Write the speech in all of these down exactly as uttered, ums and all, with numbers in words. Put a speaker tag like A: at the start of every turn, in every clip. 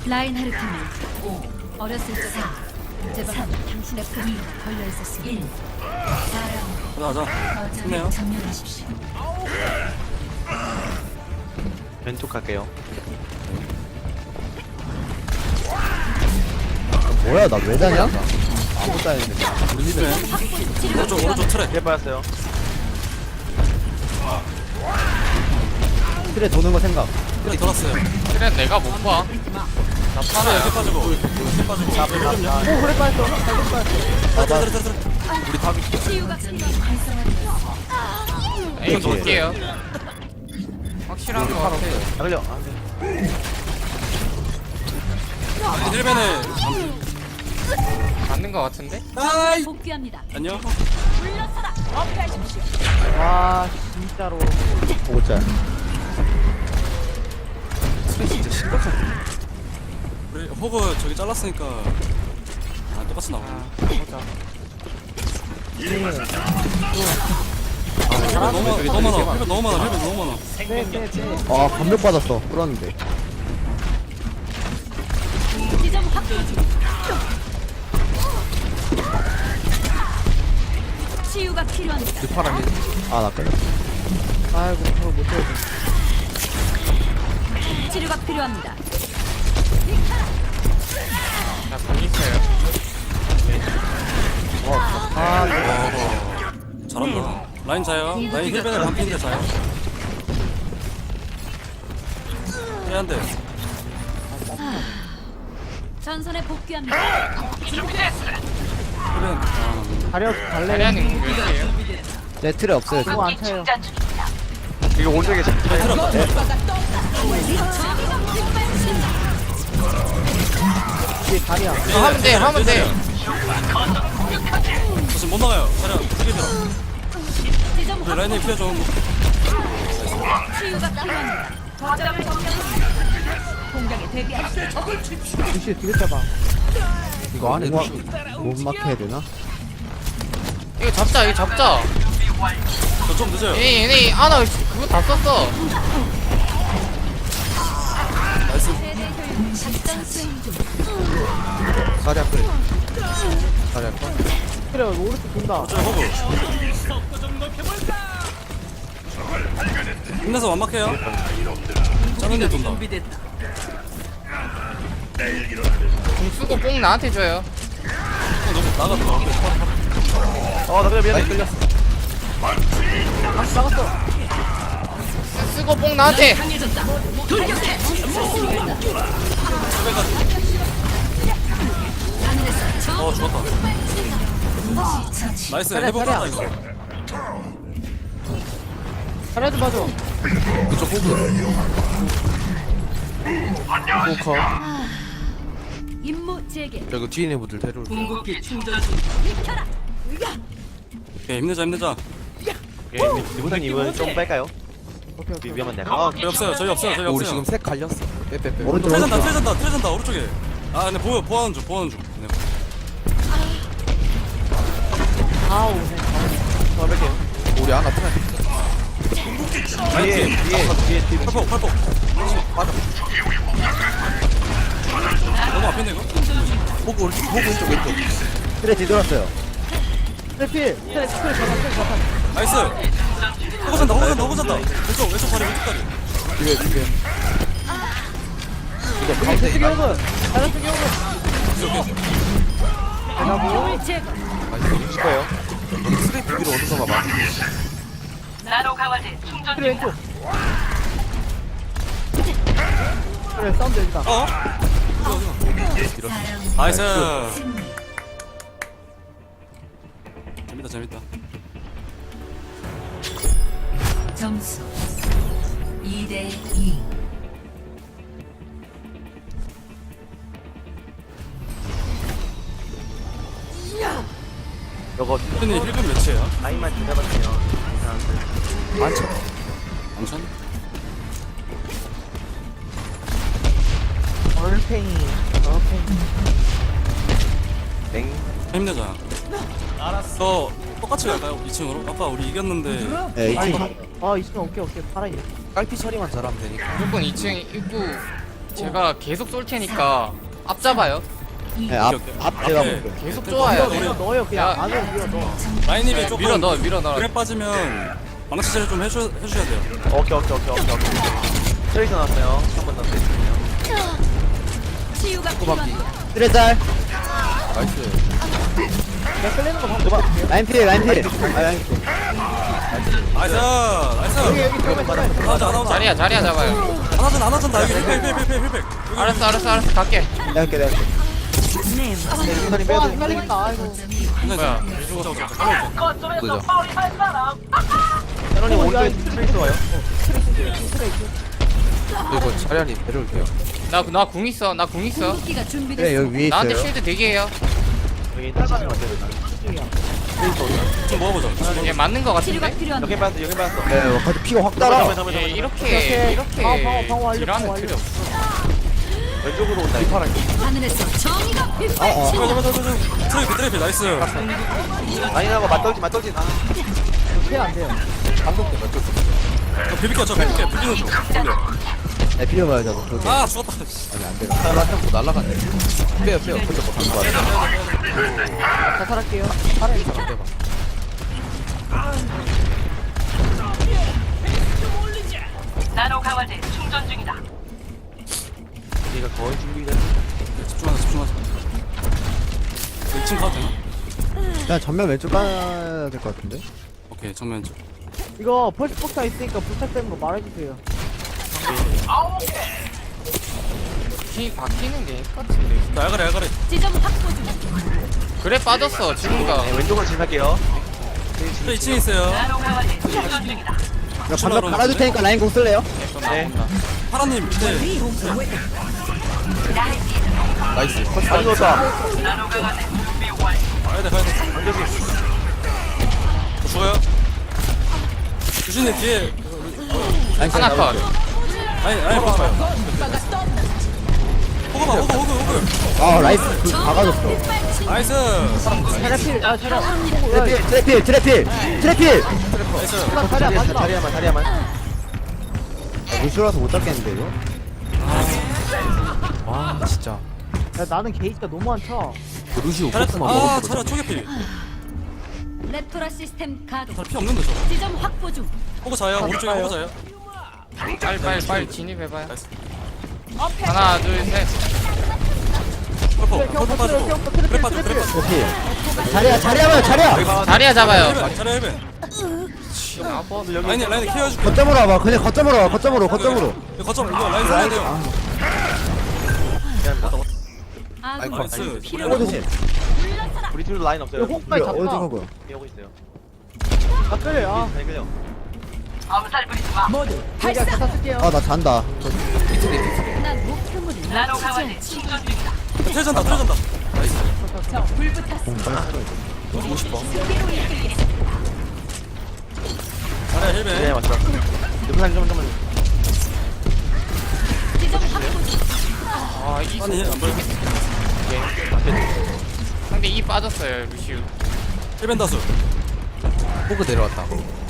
A: 라인하르트는 어렸을 적에 제발 당신의 품이 걸려 있었습니다.
B: 가자 가자. 좋네요.
A: 점령하십시오.
C: 왼쪽 갈게요.
D: 뭐야 나 왜 자냐? 아무것도 안 했는데.
B: 우리 힐벤. 오른쪽 오른쪽 트랙.
C: 힐 빠졌어요.
D: 틀에 도는 거 생각.
B: 트랙 돌았어요.
E: 그래 내가 못 봐. 나
B: 트랙
E: 팔아야
B: 이렇게 빠지고 힐 빠지고. 자, 힐 좀요.
D: 오 그래 빠졌어. 잘못 빠졌어.
B: 트랙 트랙 트랙.
C: 우리 탑이
A: 치유가 필요한
E: 에이 볼게요. 확실한 거 같아.
C: 안 걸려. 안 돼.
B: 힐벤에.
E: 맞는 거 같은데?
B: 아이.
A: 복귀합니다.
B: 안녕.
A: 물러서라. 업그레이십시오.
D: 와 진짜로. 오자.
C: 진짜 심각하네.
B: 우리 호그 저기 잘랐으니까 아 똑같이 나와.
E: 보자.
B: 힐벤 너무 많아. 너무 많아. 힐벤 너무 많아. 힐벤 너무 많아.
D: 네네네. 아 감력 받았어. 끌었는데.
A: 지점 확보 중. 치유가 필요합니다.
D: 아나 끌려. 아이고 그걸 못 해야
A: 치료가 필요합니다.
E: 나 공 있어요.
D: 아
B: 잘한다. 라인 자요. 라인 힐벤에 반피인데 자요. 해야 돼.
A: 전선에 복귀합니다.
B: 힐벤. 아,
D: 가려 갈래.
E: 자리하는 몇 개예요?
D: 네 틀에 없어요. 저거 안 차요.
C: 이거 오른쪽에 자.
D: 뒤에 다리야.
E: 어, 하면 돼 하면 돼.
B: 저 지금 못 나가요. 차량 크게 들어.
A: 지점
B: 우리 라인이 피해 좀.
A: 치유가 필요합니다. 거점을 점령합니다. 공격에 대비하십시오.
D: 뒤에 뒤에 잡아. 이거 안에 못, 못 막혀야 되나?
E: 이거 잡자 이거 잡자.
B: 저 좀 늦어요.
E: 얘네 얘네 아나 그거 다 썼어.
B: 나이스.
A: 작전 수행 중.
C: 자리 앞에. 자리 앞에.
D: 그래 오른쪽 돈다.
B: 저 호그. 힘내서 완막해요. 짜는 데 돈다.
E: 공 쓰고 뽕 나한테 줘요.
B: 너무 나가더라.
C: 어, 나 그래 미안해. 끌렸어.
D: 아 나갔어.
E: 쓰- 쓰고 뽕 나한테.
B: 어 죽었다. 나이스.
D: 차려,
B: 해볼까
D: 차려.
B: 이거.
D: 자리야 좀 봐줘.
C: 그쪽 호그. 호커.
A: 임무 재개.
C: 저 이거 뒤에 있는 분들 데려올.
A: 비켜라.
B: 오케이 힘내자 힘내자.
C: 예, 리보다님은 좀 뺄까요?
D: 오케이 오케이.
C: 위험한 데. 아,
B: 저희 없어요. 저희 없어요. 저희 없어요.
C: 우리 지금 색 갈렸어. 빼빼빼.
D: 오른쪽
B: 트레전다
D: 오른쪽.
B: 트레전다 트레전다 오른쪽에. 아 근데 보여 보하는 중 보하는 중. 네.
D: 아 오네.
C: 더 뺄게요. 우리 하나 편해. 뒤에 뒤에 뒤에 뒤에.
B: 팔폭 팔폭.
C: 맞아.
B: 너무 앞인데 이거.
C: 호그 오른쪽 호그 왼쪽 왼쪽.
D: 그래 뒤돌았어요. 트래필. 트래 트래 잡아 트래 잡아.
B: 나이스. 호그 산다 호그 산다 호그 산다. 왼쪽 왼쪽 다리 왼쪽 다리.
C: 뒤에 뒤에. 이거
D: 우리
C: 가운데
D: 대승 경은. 다른 승 경은.
B: 오케이 오케이.
A: 임무 제거.
C: 많이 이길 거예요. 여기 스레이트 위로 오는 거 봐봐.
D: 그래 왼쪽. 그래 사운드 여기다.
B: 어? 나이스. 재밌다 재밌다.
A: 점수 이 대 이.
C: 이거
B: 힐빈이 힐빈 몇이에요?
C: 나이만 기다렸으면 괜찮은데. 많죠.
B: 엄청?
D: 얼팽이. 얼팽이.
C: 땡.
B: 힘내자. 알았어. 똑같이 갈까요? 이 층으로? 아까 우리 이겼는데.
D: 네, 이 층. 아, 이 층 오케이, 오케이. 팔아있네.
C: 깔피 처리만 잘하면 되니까.
E: 무조건 이 층 입구 제가 계속 쏠 테니까 앞 잡아요.
D: 네, 앞, 앞 제가
B: 앞에.
D: 볼게요.
E: 계속 쪼아야
A: 밀어
E: 돼.
A: 넣어요 그냥
E: 야.
A: 안으로 밀어 넣어.
B: 라인님이
E: 네,
B: 조금
E: 밀어 넣어, 밀어 넣어.
B: 그래 빠지면 망치 처리 좀 해주, 해주셔야 돼요.
C: 오케이 오케이 오케이 오케이 오케이. 트레이서 나왔어요. 한번 더 트레이서요.
A: 치유가 필요합니다.
D: 트레짤.
C: 나이스.
A: 내가 끌리는 거 방금
D: 라인 필, 라인 필. 아, 라인 필.
B: 나이스 나이스.
A: 여기 여기 들어가 들어가.
B: 나오자 나오자.
E: 자리야, 자리야 잡아요.
B: 안하전 안하전 나 여기 힐팩 힐팩 힐팩 힐팩.
E: 알았어, 알았어, 알았어. 갈게.
D: 내가 할게, 내가 할게.
C: 인사님 빼야
A: 와
C: 돼.
A: 헷갈린다 아이고.
E: 뭐야?
B: 죽어 죽어.
C: 그죠.
A: 어,
C: 세런님
A: 야,
C: 오른쪽에 트레이서 와요.
F: 이거 차량이 데려올게요.
E: 나, 나 궁 있어, 나 궁 있어.
A: 기가
D: 그래,
A: 준비됐어.
D: 여기 위에
E: 나한테
D: 있어요.
E: 쉴드 되게 해요.
C: 여기 타시면 안 돼요.
B: 좀 먹어보자.
E: 얘 맞는 거
A: 치료가
E: 같은데?
A: 필요합니다.
C: 여기 빠졌어. 여기 빠졌어.
D: 네, 뭐, 갑자기 피가 확 따라.
C: 잠깐만,
E: 얘
C: 잠깐만,
E: 이렇게, 이렇게
A: 방어, 방어, 방어 완료,
E: 딜하는
A: 방어
E: 필요 없어.
C: 잠깐만. 왼쪽으로 온다. 이파랑.
A: 하늘에서 정의가
D: 어, 어.
A: 빗발친다.
B: 트레이피 트레이피 나이스.
C: 아니 나고 맞떨지 맞떨지. 아.
A: 피안 돼요.
B: 저 비비켜 저 비비켜 비비는 중. 근데
D: 네, 필요 봐요, 저거. 그거.
B: 아 죽었다.
D: 아니, 안 돼.
F: 날라갔고 날라갔네. 빼요 빼요. 그저 뭐 간거 같아.
A: 자살할게요. 살아요.
G: 나노 강화제 충전 중이다.
C: 얘가 거의 준비가.
B: 집중하자 집중하자. 이 층 가도 되나?
D: 그냥 전면 왼쪽 가야 될 것 같은데?
B: 오케이 정면 쪽.
A: 이거 펄스 폭탄 있으니까 부탁되는 거 말해주세요.
E: 키 바뀌는 게 똑같은데.
B: 나 야가래 야가래.
A: 지점 확보 중.
E: 그래 빠졌어, 지금가.
C: 네, 왼쪽으로 진입할게요.
B: 저 이 층에 있어요.
G: 나노 강화제 충전 중이다.
D: 이거 방금 갈아줄 테니까 라인 공 쓸래요?
C: 네.
B: 파라님 밑에.
F: 나이스.
C: 많이 넣었다.
G: 나노 강화제 준비 완료.
B: 가야 돼 가야 돼.
C: 안정이.
B: 저 죽어요. 주신님 뒤에.
D: 라인
E: 하나 컷.
B: 아니 아니 보지 마요. 호그 봐 호그 호그 호그.
D: 아, 라이스 그 박아줬어.
B: 나이스.
A: 차량필, 아 차량.
D: 트래필, 트래필, 트래필, 트래필!
B: 나이스.
A: 차량
C: 자리야
A: 맞다.
C: 자리야만 자리야만.
D: 아, 루시오라서 못 잡겠는데, 이거?
F: 와 진짜.
A: 야 나는 게이지가 너무 안 차.
F: 그 루시오
B: 잘했다.
F: 코스만
B: 아
F: 먹었어.
B: 차려 초계피.
A: 레토라 시스템 가동.
B: 잘 피 없는데 저.
A: 지점 확보 중.
B: 호그 자요 오른쪽에 호그 자요.
E: 빨리, 빨리, 빨리 진입해봐요.
B: 나이스.
E: 하나, 둘, 셋.
B: 펄퍼
A: 트래피,
B: 펄퍼 빠지고.
A: 트래피,
B: 그래
A: 트래피,
B: 빠지고 그래
A: 트래피.
B: 빠지고.
D: 트래필. 자리야, 자리야봐요, 자리야!
E: 자리야 잡아요.
B: 헬벤 자리 헬벤.
C: 여기
B: 라인 라인 케어 해줄게.
D: 거점으로 와봐, 그냥 거점으로 와, 거점으로, 거점으로.
B: 이거 거점 이거 라인 살려야 돼요.
A: 아군
B: 나이스.
D: 호그
A: 필요합니다.
D: 조심.
C: 우리 팀도 라인 없어요.
A: 이거 호크까지
D: 어디
A: 잡다.
D: 호그?
C: 여기 오고 있어요.
A: 아 끌려. 아.
C: 잘 끌려.
G: 암살 부리지 마.
A: 발사. 다 쓸게요.
D: 아, 나 잔다.
A: 난 목표물을
G: 나노
A: 놓치지
G: 강화제
A: 않지.
G: 충전 중이다.
B: 틀전다 틀전다.
A: 저 불붙었어.
B: 자리야
C: 네
B: 헬벤.
C: 맞다. 옆에 좀 좀만.
A: 지점 확보 중.
E: 아, 이
B: 아니 안 보여.
E: 상대 이 빠졌어요, 루시우.
B: 헬벤 다수.
F: 호그 내려왔다.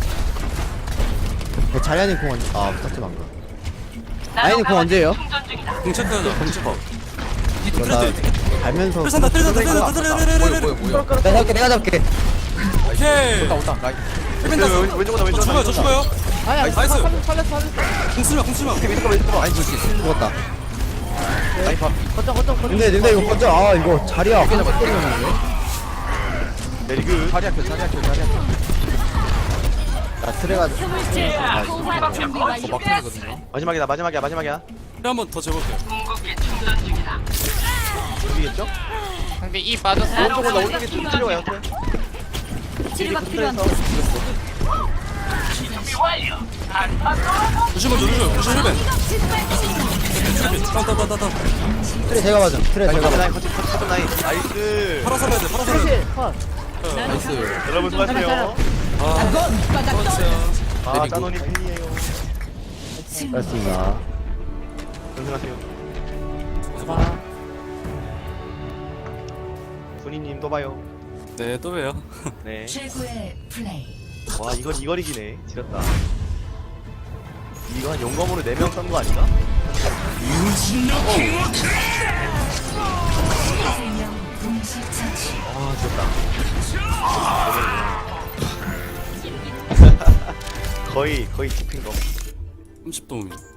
D: 그 자리아님 공 언제, 아, 부탁지 만 거.
G: 나노
D: 아이는 공
G: 강화제
D: 언제예요?
G: 충전 중이다.
B: 공 체크하자. 공 체크.
D: 이거 나 갈면서.
B: 틀전다 틀전다 틀전다 틀전다
F: 뭐야
B: 틀전다.
F: 뭐야 뭐야.
D: 내가 잡게, 내가 잡게.
B: 오케이.
F: 온다 온다. 라인.
B: 헬벤 다수.
C: 왼쪽으로
B: 저
C: 왼쪽으로.
B: 죽어요 저 죽어요.
A: 아야.
B: 나이스.
A: 살렸어 살렸어 살렸어.
B: 공 쓰마 공 쓰마.
C: 왼쪽으로 왼쪽으로.
F: 라인 볼수 있어.
D: 죽었다.
F: 라인 밥.
A: 거점 거점 거점.
D: 근데, 근데 이거 거점, 아, 이거 자리야.
F: 어깨 잡아. 때리는데.
C: 내리그.
F: 자리 앞에 자리 앞에 자리 앞에.
D: 나 트레가.
A: 스물째.
D: 아,
A: 소환 준비
F: 저
A: 완료.
F: 막히거든요.
C: 마지막이다 마지막이야 마지막이야.
B: 한번 더 재볼게요.
G: 궁극기 충전 중이다.
C: 준비겠죠?
E: 상대 이 빠졌어.
G: 나노
C: 오른쪽으로 나
G: 강화제
C: 오른쪽에 좀
G: 충전
C: 필요해요.
G: 중이다.
A: 치료가 필요합니다.
G: 준비 완료.
B: 조심해 조심해 조심 헬벤. 따따따따따.
D: 트레 제가 맞아. 트레 제가
C: 거점
D: 맞아.
C: 라인 거점 거점 라인. 나이스.
B: 팔아 살려야 돼 팔아 살려야 돼.
A: 트래필 컷.
F: 나이스.
C: 여러분 수고하세요.
B: 아 수고하셨어요.
C: 아 짜노니 팬이에요.
D: 그렇습니다.
C: 고생하세요.
A: 아,
C: 손이님 또 봐요.
B: 네 또 봬요.
C: 네.
A: 최고의 플레이.
C: 와 이건 이걸 이기네. 지렸다. 이거 한 용검으로 네 명 쏜 거 아닌가?
F: 아 좋다 거의 거의 디핀 거
B: 삼십 도움이요.